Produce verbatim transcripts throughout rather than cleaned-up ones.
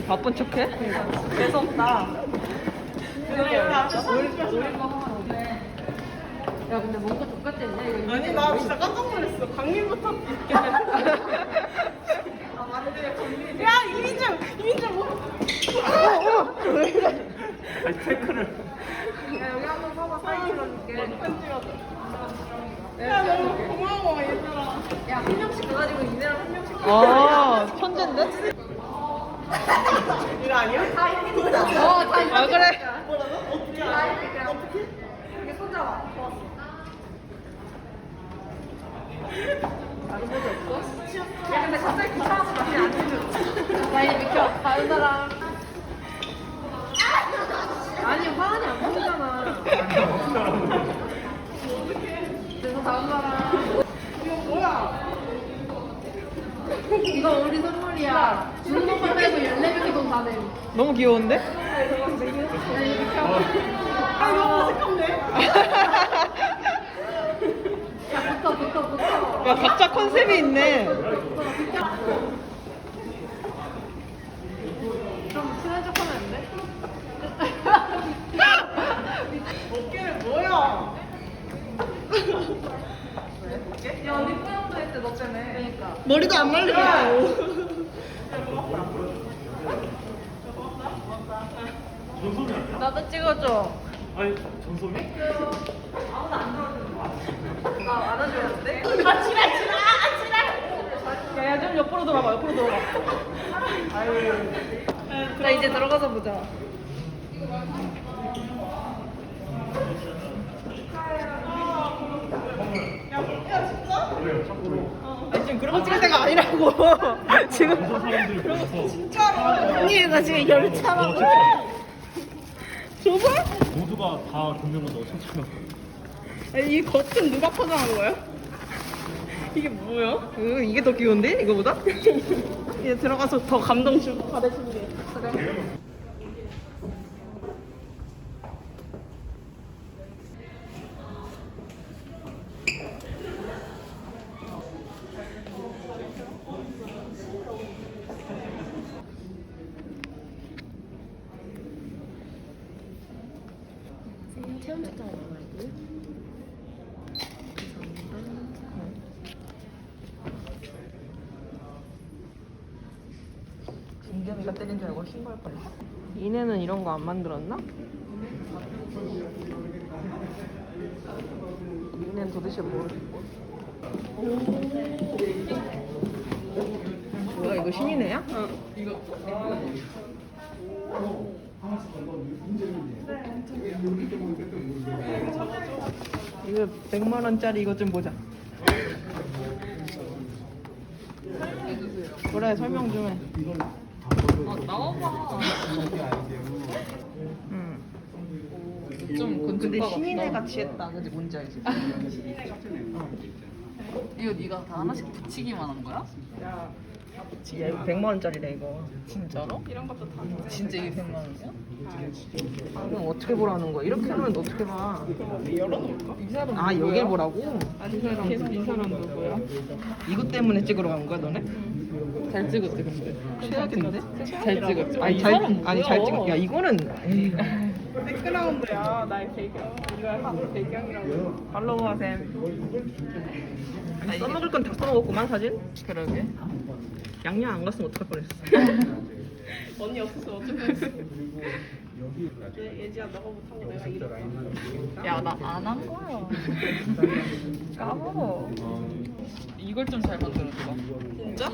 바쁜 척해? 재수없다. 야 근데 뭔가 똑같겠네 이거. 아니 나 진짜 깜짝 놀랐어. 강림부터 이렇게. 아 맞네. 정민. 야 이민정, 이민정 뭐? 아니 체크를. 야 여기 한번 서봐 사진 찍어줄게. 편 찍어줘. 야 너무 고마워 얘들아. 야 한 명씩 가가지고 이내랑 한 명씩. 아, 천재인데? 이거 아니야? 어다 이거. 아, 그래. 뭐라고? 어떻게 알아? 어떻게? 이게 손잡아. 다른 것도 없어? 야 근데 갑자기 귀찮아서 다시 안 찍어. 나 이제 비켜. 다른 사람. 아니 화환이 안 보이잖아. 그래서 다음 사람. 이거 뭐야? 이거 우리 선물이야. 주는 것만 빼고 열네 명이 돈 다 내. 너무 귀여운데? 아 이거 어색한데? 야 붙어 붙어 붙어. 야, 각자 컨셉이 있네. 좀 친한 척하면 안 돼? 어깨를 뭐야? 야 우리 뿌염도 했대 너 때문에. 그러니까. 머리도 안 말리고. 전소미야. 나도 찍어줘. 아니 전소미? 아 안아주는데? 아 지랄 지랄 아 지랄. 야, 야, 좀 옆으로 돌아봐, 옆으로 돌아봐. 자, 이제 들어가서 보자. 야 진짜? 아니, 지금 그런 거 찍을 때가 아니라고. 지금. 여자 사람들이 모여서 진짜로? 언니, 나 지금 열차라고. 줘봐? 모두가 다 금면을 넣어 쳤잖아. 아니, 이 겉은 누가 포장한 거야? 이게 뭐야? 이거, 이게 더 귀여운데? 이거보다? 이제 들어가서 더 감동 주고 받아줄게. 체험 책장 얼마이고? 진겸이가 때린 줄 알고 신고할 뻔했어. 이내는 이런 거 안 만들었나? 이내는 도대체 모르겠고. 뭐야, 이거 신이네야? 어, 이거. 이거 백만 원짜리 이거 좀 보자. 그래, 설명 좀 해. 아, 나와봐. 응. 좀 근데 건축가 신인애 같다. 같이 했다. 근데 뭔지 알지? 이거 네가 다 하나씩 붙이기만 한 거야? 야, 야 이거 백만 원짜리래 이거. 진짜로? 이런 것도 다. 진짜 이게 백만 원이야? 아, 그럼 어떻게 보라는 거야? 이렇게 하면 어떻게 봐? 열어놓을까? 이 사람 아, 누구야? 여길 보라고? 아니 계속 이 사람 누구야? 이것 때문에 찍으러 간 거야, 너네? 잘 찍었지 근데. 최악인데? 잘 찍었지. 아니, 이 잘, 사람 아니, 뭐야? 잘 찍어. 야, 이거는. 에이. 백그라운드야 나의 배경. 이거 한 배경이라고. 팔로워 쌤. 아니, 써먹을 건 다 써먹었구만, 사진? 그러게. 양양 안 갔으면 어떡할 뻔했어. 언니 없어서 어떡했어? 얘 예지야 너가 못하고 내가 이렇게. 야 나 안 한 거야. 까먹어. 이걸 좀 잘 만들어줘. 진짜?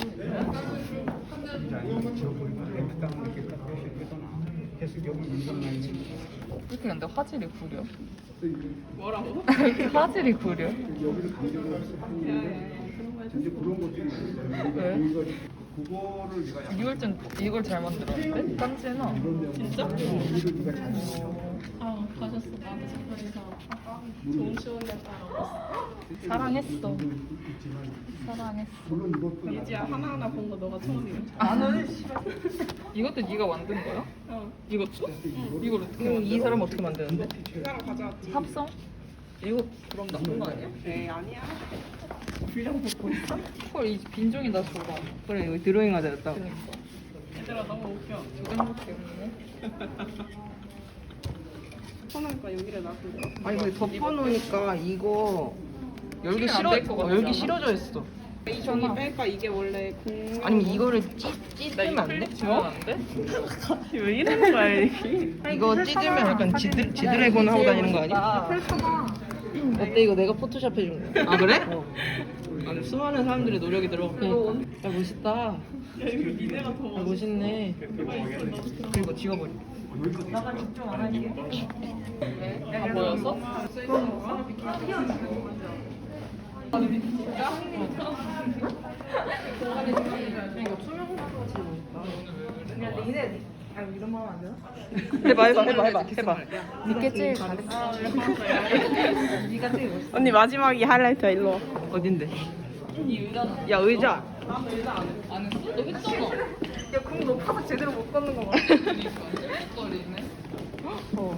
이렇게 근데 화질이 구려. 뭐라고? 화질이 구려. 왜? 이걸 좀 이걸 잘 만들었는데? 깜찍나? 진짜? 아 가셨어 나한테 장난해서 좋은 추운 날 따라. 사랑했어. 사랑했어. 예지야 하나하나 본 거 너가 처음이야. 나는 이것도 네가 만든 거야? 어. 이것도? 이걸 어떻게 그럼 이 만들어? 사람 어떻게 만드는데? 그 사람 가져왔지. 합성? 이거 그럼 나쁜 거 아니야? 에이 아니야. 분량 뽑고 있어? 헐, 이 빈종이 나 줘봐. 그래, 이거 드로잉 하자 했다. 그니까. 얘들아 너무 웃겨. 행복했네. 덮어놓으니까 여기를 놔둔다. 아니 근데 덮어놓으니까 이거 열기 안 싫어 될것 어, 같지 열기 않아? 싫어져 있어. 저기 뺄까? 이게 원래 공. 아니면 이거를 찢 찢으면 안 돼? 지면 안 돼? 왜 이러는 거야 이게? 이거 찢으면 약간 지드 지드래곤 하고 다니는 거 아니야? 어때 이거 내가 포토샵 해준 거야? 아 그래? 어. 아니 수많은 사람들의 노력이 들어가. 야 멋있다. 야 이거 니네가 더 야 멋있어. 멋있네. 그리고 지워버려. 다 보였어? 해봐 해봐 해봐 해봐 해봐. 언니 마지막이 하이라이트야 일로 와. 어딘데? 야 의자. 안 했어? 너 했잖아. 야공 높아서 제대로 못 걷는 거 봐. 떨리네. 어.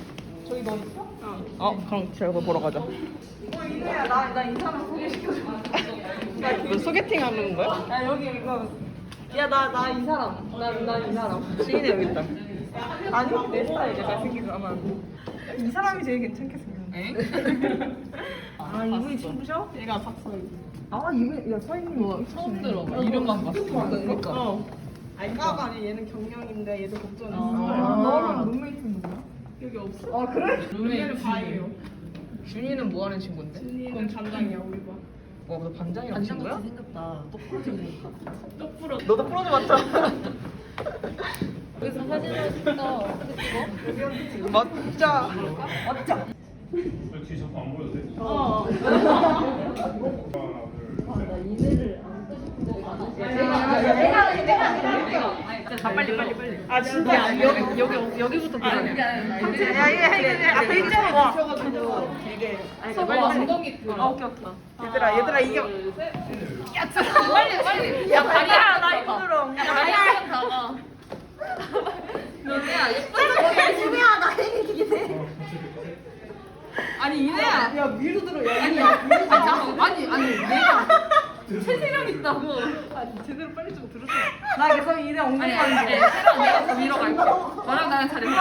어 그럼 저거 보러 가자. 나나이 사람 소개시켜줘. 너 소개팅 하는 거야? 야 여기 이거. 야 나 나 이 사람. 나 나 이 사람. 시인이 여기 있다. 아니 내 스타일 내가 생긴 거만. 이 사람이 제일 괜찮게 생겼네. 아 이분이 친구셔? 얘가 박서희. 아 이분 야 서인님 뭐 처음 들어봐. 이름만 봤어. 그러니까. 어. 아니 까가 아니 얘는 경영인데 얘도 걱정했어. 아. 너랑 룸메이트는 누구야? 여기 없어? 아 그래? 룸메이트 바이예요. 준이는 뭐 하는 친구인데? 준이는 반장이야 우리 반. 와, 너 반장이랑 친구야? 똑부러. 너도 프로즈 맞잖아. 그래서 사진을 찍어. 맞자. 맞자. 뒤 자꾸 안 보여도 돼? 어. 아 빨리 빨리 빨리. 아 진짜 여기 여기 여기부터 들어야 돼. 야 이게 이게 앞에 일자로 와. 이게. 서버 엉덩이 그. 아 오케이 오케이. 얘들아 얘들아 이게. 빨리 빨리. 야 다리야 나 힘들어. 야 다리야 가봐. 너네야 예쁘다. 준이야 나 이게. 아니 이내야. 야 위로 들어. 야 아니 아니 아니 아니 내가 체지방 있다고. 제대로 빨리 좀 들어줘. 나 계속 이내 엉덩이 아니 아니 아니 새로 내가 더 위로 갈게. 너랑 나랑 잘했어.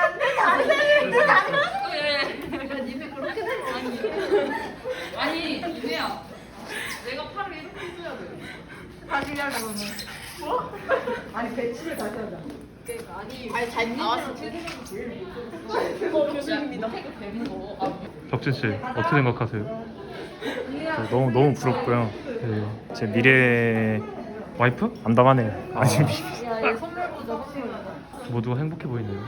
왜? 니네 그렇게 아니 아니 이내야 내가 팔을 이렇게 해줘야 돼. 다시 해야 돼 그러면. 뭐? 아니 배치를 다시 하자. 그러니까 아니 아니 잘 나왔어. 체지방이 제일 그거 교수님이다. 태그 되는 거. 아, 덕진 씨 어떻게 생각하세요? 저 너무 너무 부럽고요. 네, 제 미래 와이프 안담하네요. 아니 야얘 선물 보자 선물. 모두가 행복해 보이네요.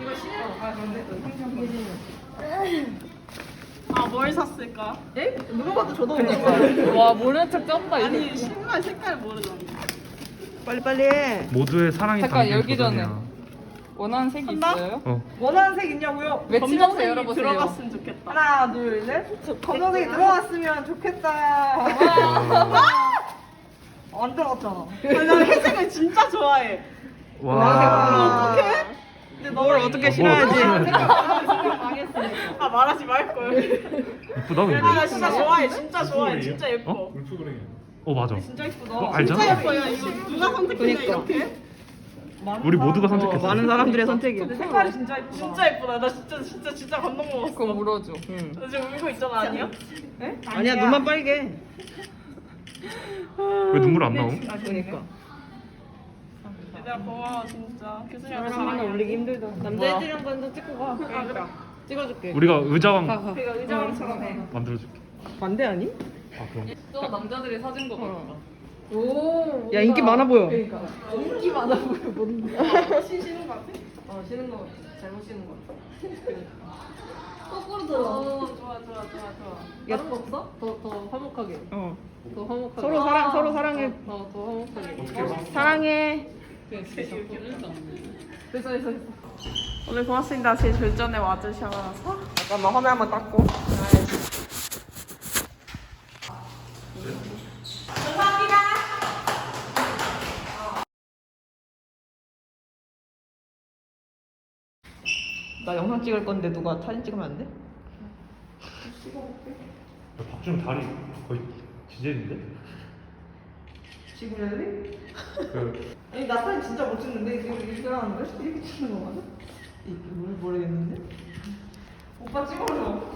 아 뭘 샀을까? 에? 누가 봐도 저도 모르니까. 와 모르는 척 쩐다 아니 신발 색깔 모르잖아. 빨리 빨리 해. 모두의 사랑이 잠깐, 담긴 열기 전에. 도전이야. 원하는 색이 한다? 있어요? 어, 원하는 색 있냐고요? 외치면서 검정색이 열어보세요. 들어갔으면 좋겠다. 하나 둘 셋. 검정색이 들어갔으면 좋겠다. 안 들어갔잖아. 아니, 난 회색을 진짜 좋아해. 와. 어떡해? 근데 뭘 어떻게 싫어하지? 아 말하지 말 걸. 이쁘다 근데. 아, 나 진짜 좋아해. 진짜 좋아해. 진짜 예뻐. 어? 울프그레이. 어 맞아. 진짜 예쁘다. 어, 알잖아. 진짜 예뻐. 야 이거 누가 선택했냐 그러니까. 이렇게? 우리 모두가 어, 선택했어. 많은 사람들의 선택이야. 색깔이 진짜 예쁘다. 진짜 예쁘다. 나 진짜 진짜 진짜 감동 먹었어. 그거 물어줘. 응. 나 지금 울고 있잖아 아니야? 네? 아니야 눈만 빨개. 왜 눈물 안 나옴? 아 그러니까. 얘들아 고마워 진짜. 교수님한테 사람만 사랑해. 올리기 힘들다. 남자애들이랑 먼저 찍고 가. 그러니까. 찍어줄게. 우리가 의자왕 가 가. 그러니까 의자왕처럼 해. 만들어줄게. 반대 아니? 아 그럼. 저 남자들이 사준 거 같다. 야 인기 많아 보여. 인기 많아 보여. 뭔데? 신 쉬는 거 같아? 어 쉬는 거 잘못 쉬는 거. 거꾸로 들어. 어, 좋아 좋아 좋아 좋아. 다른 거 없어? 더 더 화목하게. 어. 더 화목하게. 서로 사랑 서로 사랑해. 더 더 화목하게. 사랑해. 됐어 됐어 됐어. 오늘 고맙습니다. 제 절전에 와주셔서. 잠깐만 화면 한번 닦고. 나 영상 찍을 건데 누가 사진 찍으면 안 돼? 박준 다리 거의 지젤인데? 지구렐리? 그 아니 나 사진 진짜 못 찍는데 이거 이렇게 하는데? 이렇게 찍는 거 맞아? 이게 뭘 모르겠는데? 오빠 찍어줘.